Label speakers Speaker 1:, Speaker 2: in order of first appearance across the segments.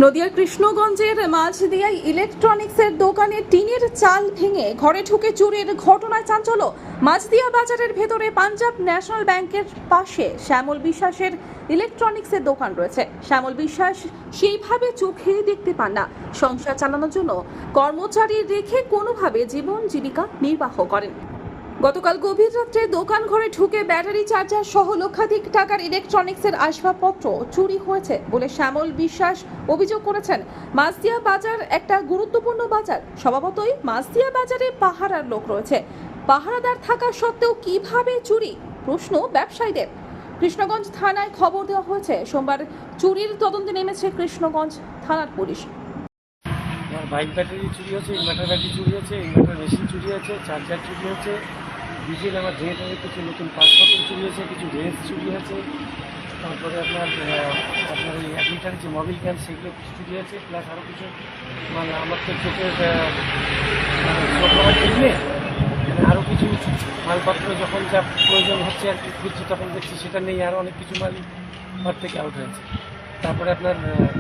Speaker 1: নদিয়ার কৃষ্ণগঞ্জের মাঝদিয়ায় ইলেকট্রনিক্সের দোকানে টিনের চাল ভেঙে ঘরে ঢুকে চুরির ঘটনায় চাঞ্চল্য। মাঝদিয়া বাজারের ভেতরে পাঞ্জাব ন্যাশনাল ব্যাংকের পাশে শ্যামল বিশ্বাসের ইলেকট্রনিক্সের দোকান রয়েছে। শ্যামল বিশ্বাস সেইভাবে চোখে দেখতে পান না। সংসার চালানোর জন্য কর্মচারী রেখে কোনোভাবে জীবন জীবিকা নির্বাহ করেন। গতকাল গভীর রাত্রে দোকান ঘরে ঢুকে ব্যাটারি চার্জার সহ লক্ষাধিক টাকার ইলেকট্রনিক্সের আসবাবপত্র চুরি হয়েছে বলে শ্যামল বিশ্বাস অভিযোগ করেছেন। মাঝদিয়া বাজার একটা গুরুত্বপূর্ণ বাজার, স্বভাবতই মাঝদিয়া বাজারে পাহারার লোক রয়েছে। পাহারাদার থাকা সত্ত্বেও কিভাবে চুরি, প্রশ্ন ব্যবসায়ীদের। কৃষ্ণগঞ্জ থানায় খবর দেওয়া হয়েছে। সোমবার চুরির তদন্তে নেমেছে কৃষ্ণগঞ্জ থানার পুলিশ।
Speaker 2: আমার বাইক ব্যাটারি চুরি হয়েছে, ইনভার্টার ব্যাটারি চুরি হয়েছে, ইনভার্টার মেশিন চুরি হয়েছে, চার্জার চুরি হয়েছে, ডিজেল আমার জেনারেটরের কিছু নতুন পাসপোর্ট চুরি হয়েছে, কিছু রেঞ্জ চুরি হয়েছে, তারপরে আপনার এই 1 লিটার যে মোবিল ক্যান সেগুলো কিছু চুরি হয়েছে, প্লাস আরও কিছু মানে আমার তো চোখের সরবরাহ কিনলে আরও কিছু মালপত্র যখন যা প্রয়োজন হচ্ছে আর কি খুঁজছি তখন দেখছি সেটা নেই, আরও অনেক কিছু মাল ঘর থেকে আউট হয়েছে। তারপরে আপনার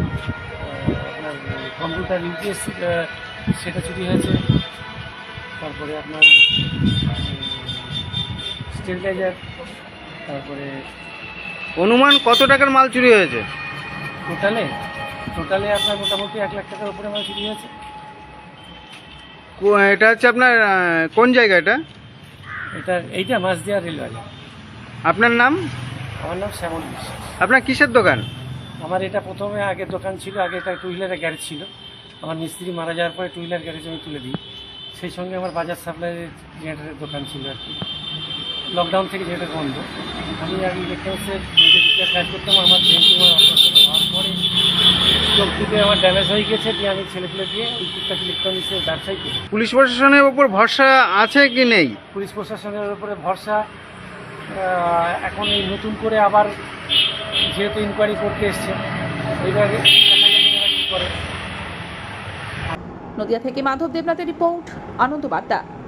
Speaker 2: কম্পিউটার ইউপিএস সেটা চুরি হয়েছে। তারপরে আপনার স্টেবিলাইজার, তারপরে
Speaker 3: অনুমান কত টাকার মাল চুরি হয়েছে?
Speaker 2: টোটালে আপনার মোটামুটি 1 লাখ টাকার উপরে মাল চুরি হয়েছে।
Speaker 3: এটা হচ্ছে আপনার কোন জায়গা?
Speaker 2: এইটা মাঝদিয়া রেলওয়ে।
Speaker 3: আপনার নাম?
Speaker 2: আমার নাম শ্যামল বিশ্বাস।
Speaker 3: আপনার কিসের দোকান?
Speaker 2: আমার এটা প্রথমে আগে দোকান ছিল, আগে একটা 2 হুইলারের গ্যারেজ ছিল। আমার মিস্ত্রি মারা যাওয়ার পরে 2 হুইলার গ্যারেজ আমি তুলে দিই। সেই সঙ্গে আমার বাজার সাপ্লাইয়ের জেনারেটরের দোকান ছিল আর কি। লকডাউন থেকে জেনারেটর বন্ধ। আমি আর ইলেকট্রনিক্সের নিজের কাজ করতাম। আমার ব্রেনটি আমার অপারেশন হওয়ার পরে চোখ দুটো আমার ড্যামেজ হয়ে গেছে, দিয়ে আমি ছেলেপুলে দিয়ে ওই টুকটাক ইলেকট্রনিক্সের ব্যবসায়ী করি।
Speaker 3: পুলিশ প্রশাসনের উপর ভরসা আছে কি নেই?
Speaker 2: পুলিশ প্রশাসনের উপরে ভরসা এখন এই নতুন করে আবার যেহেতু ইনকোয়ারি করতে এসছে, এইভাবে কি করে।
Speaker 1: নদিয়া থেকে মাধব দেবনাথের রিপোর্ট, আনন্দ বার্তা।